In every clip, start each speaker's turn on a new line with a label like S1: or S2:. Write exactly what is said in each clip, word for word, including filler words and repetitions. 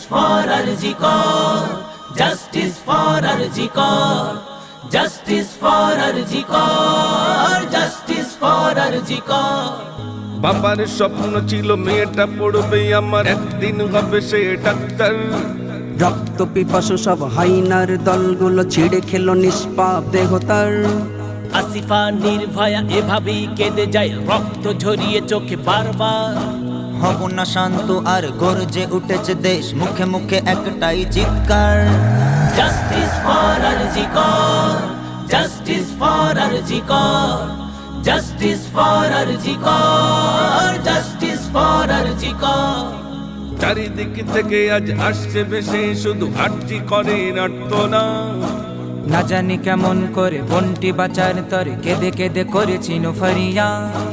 S1: for Arjikor, justice for Arjikor, justice for Arjikor, justice for Arjikor.
S2: বাবার স্বপ্ন ছিল মেয়েটা পড়বে আমার, একদিন হবে সে ডাক্তার।
S3: রক্ত পিপাসু সব হাইনার দলগুলো ছিঁড়ে খেলো নিষ্পাপ দেহ তার।
S1: আসিফা নির্ভয়া এভাবেই কেঁদে যায়, রক্ত ঝরিয়ে চোখে বারবার।
S4: হব না শান্ত আর গর্জে উঠেছে দেশ, মুখে মুখে একটাই চিৎকার।
S1: Justice for RG Kar, justice for RG Kar, justice for RG Kar, justice for RG Kar.
S2: চারিদিক থেকে আজ আসছে বেশি, শুধু আরজি করে নাট্যনা।
S5: না জানি কেমন করে বন্টি বাঁচার তরে কেঁদে কেঁদে করেছি ফরিয়া।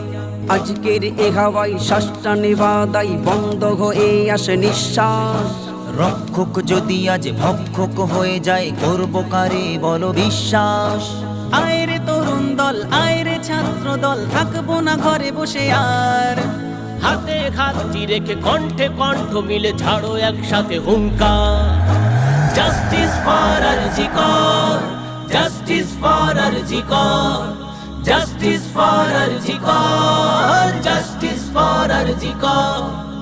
S3: আজকের এ হাওয়াই শ্বাসটা নেবাদাই বন্ধ হয়ে আসে নিঃশ্বাস।
S4: রক্ষক যদি আজ ভক্ষক হয়ে যায়, করব কারে বলো বিশ্বাস।
S5: আয়রে তরুণ দল, আয়রে ছাত্র দল, থাকবো না ঘরে বসে আর।
S1: হাতে হাতটি রেখে কণ্ঠে কণ্ঠ মিলে ছাড়ো একসাথে হুঙ্কার। Justice for RG Kar, justice for RG Kar, justice for RG Kar, justice for RG Kar.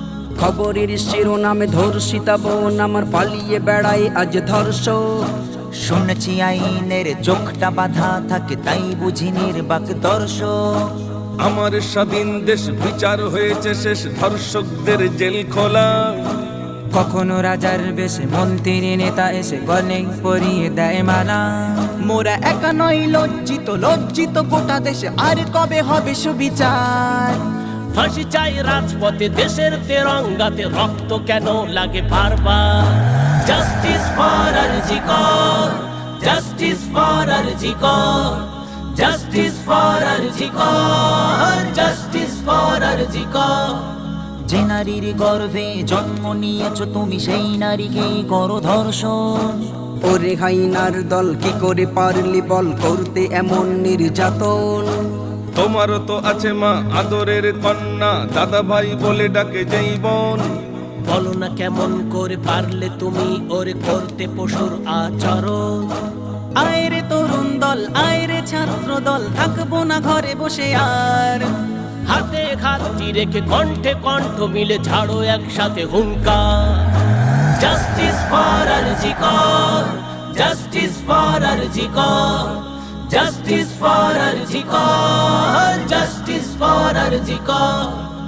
S3: খবরের শিরোনামে ধর্ষিতা বোন আমার পালিয়ে বেড়ায় আজ ধর্ষক।
S4: শুনেছি আইনের চোখটা বাঁধা থাকে, তাই বুঝি নির্বাক দর্শক।
S2: আমার স্বাধীন দেশ বিচার হয়েছে শেষ, ধর্ষকদের জেল খোলা।
S5: কখনো রাজার বেশে মন্ত্রী নেতা এসে গলে পরিয়ে দেয় মালা। মোরা একা নয় লজ্জিত, লজ্জিত গোটা দেশে, আর কবে হবে সুবিচার।
S1: ফাঁসি চাই রাজপথে, দেশের তেরঙ্গাতে রক্ত কেন লাগে বারবার। Justice for RG Kar, justice for RG Kar, justice for RG Kar, justice for RG Kar.
S4: যে নারীর গর্ভে জন্ম নিয়েছো তুমি, সেই নারীকেই করো ধর্ষণ।
S3: ওরে হাইনার দল কি করে পারলি বল করতে এমন নির্যাতন।
S2: তোমারও তো আছে মা আদরের কন্যা, দাদা ভাই বলে ডাকে যেই বোন।
S1: বলো না কেমন করে পারলে তুমি ওরে করতে পশুর আচরণ।
S5: আয়রে তরুণ দল, আয়রে ছাত্র দল, থাকবো না ঘরে বসে আর।
S1: হাতে হাতটি রেখে কণ্ঠে কণ্ঠ মিলে ছাড়ো একসাথে হুঙ্কার। Justice for RG Kar, justice for RG Kar, justice for RG Kar, justice for RG Kar.